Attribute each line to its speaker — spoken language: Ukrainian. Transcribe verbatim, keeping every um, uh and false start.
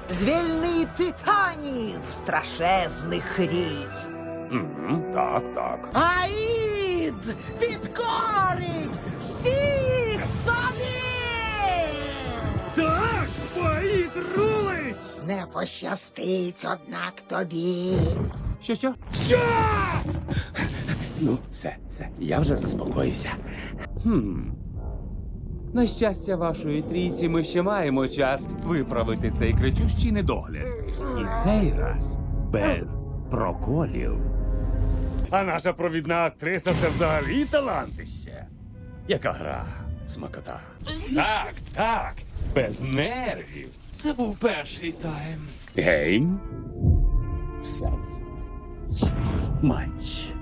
Speaker 1: звільни титанів страшезних різ.
Speaker 2: Мгм, так, так.
Speaker 1: Аїд підкорить всіх собі!
Speaker 2: Так, поїд рулить!
Speaker 1: Не пощастить, однак тобі.
Speaker 2: Що, що? Що? Ну, все, все, я вже заспокоївся. Хм. На щастя вашої трійці ми ще маємо час виправити цей кричущий недогляд. І цей раз без проколів. А наша провідна актриса це взагалі талантище. Яка гра, смакота. Так, так, без нервів. Це був перший тайм. Гейм. Секс. Матч.